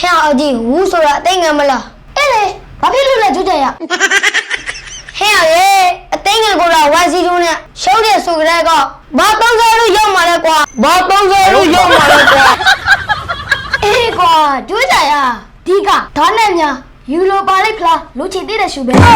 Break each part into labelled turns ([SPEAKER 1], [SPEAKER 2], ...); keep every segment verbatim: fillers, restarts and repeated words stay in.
[SPEAKER 1] ဟဲ့အကြီးဝူးဆိုတာအသိငယ်မလားအဲ့လေဘာဖြစ်လို့လဲကြွကြရဟဲ့ရေအသိငယ်ကိုတော့ဝိုင်းစီတူးနဲ့ရှုံးတဲ့ဆိုကြတဲ့ကဘာသုံးစောလို့ရောက်มาလဲကွာဘာသုံးစောလို့ရောက်มาလဲကွာအေးကွာကြွကြရဒီကဒါနဲ့များယူလိုပါလိဖလားလူချီသေးတဲ့ရှူပဲ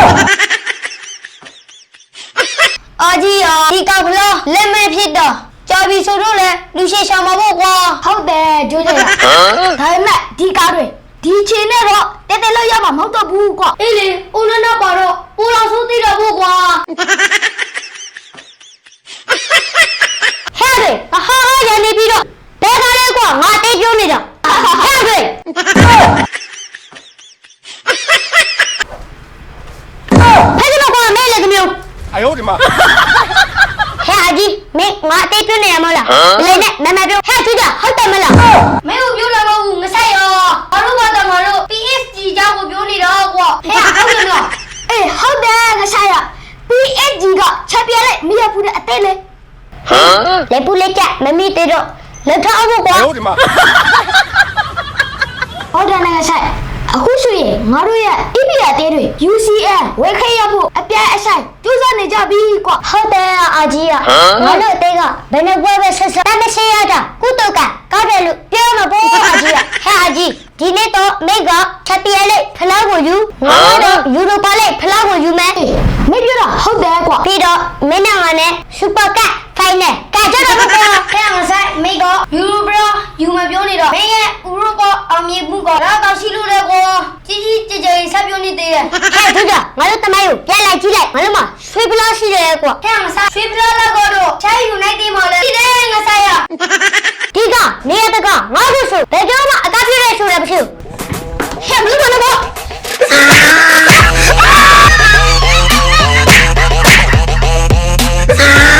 [SPEAKER 1] အာကြီးအာဒီကဘလားလက်မဲ့ဖြစ်တော့ကြာပြီဆိုတော့လေလူရှိရှာမှာပေါ့ကွာဟုတ်တယ်ကြိုးကြရဒါပေမဲ့ဒီကားတွေဒီချိန်နဲ့တော့တဲတဲလို့ရမှာမဟုတ်တော့ဘူးကွာအေးလေဦးနနာပါတော့ပူလောင်ဆိုးသေးတော့ဘူးကွာဟဲ့လေဟာဟာရနေပြီးတော့ဘယ်ကားလဲကွာငါတိတ်ပြောနေတာဟဲ့လေဖဲ့တော့ကွာမဲလေကမျိုး
[SPEAKER 2] 哎呦我的妈！
[SPEAKER 1] ဟဲ့အကြီးမင်းငါတိတ်ပြနေရမလားလေနဲ့မမပြောဟဲ့သူကဟုတ်တယ်မလားမင်းကိုပြောလာမဟုတ်ဘူးမဆိုင်ရောဘာလို့ကတော့ငါတို့ P S G ကြောင့်ကိုပြောနေတော့ကွာဟဲ့ဟုတ်တယ်နော်အေးဟုတ်တယ်ငါဆိုင်ရ P S G ကချက်ပြလိုက်မရဘူးတဲ့အသေးလေဟမ်လေပူလေးကမမီတေတော့လက်ထောက်ဖို့ကွာ
[SPEAKER 2] 哎呦我的妈！
[SPEAKER 1] ဟုတ်တယ်ငါဆိုင်အခုဆိုရင်ငါတို့ရဲ့ E P R တဲတွေ U C L ဝယ်ခဲ့ရဖို့အပြည့်အဆိုင်ကျူးစားနေကြပြီကွာဟုတ်တယ်အာကြီးอ่ะငါတို့တဲကဘယ်နဲ့ပွဲပဲဆက်ဆက်တမရှင်းရတာကုတုကကောက်တယ်လို့ပြောမှာပေါ့အာကြီးอ่ะဟဲ့အာကြီးဒီနေ့တော့မိတ်ကချက်ပြဲလိုက်ဖလားကိုယူငါတို့ယူရိုပါလိုက်ဖလားကိုယူမယ်မင်းပြောတာဟုတ်တယ်ကွာပြီးတော့မင်းနဲ့ငါနဲ့စူပါကပ်ဖိုင်နယ်ကကြတော့ကွာဟဲ့ငါဆိုင်မိတ်ကယူရိုဘရာယူမပြောနေတော့မင်းရဲ့ဥရောပအောင်မြင်မှုကတော့တော့ရှိလို့လေကွာကြီးကြီးကြည်ကြည်ဆက်ပြောနေသေးတယ်ဟဲ့သူကငါတို့တမိုင်းကိုပြန်လိုက်ကြည့်လိုက်ငါတို့မှာဆွေးပလားရှိတယ်ကွာဟဲ့ငါဆိုင်ဆွေးပလားလောက်တော့ချိုင်းယူနိုက်တီမှာလေဒီတယ်ငါဆိုင်ရဒီကနေရတကငါတို့ဆိုဘယ်ကြောမှအကားပြည့်ရဲဆိုတယ်မရှိဘူးဟဲ့ဘလို့မလို့ပေါ့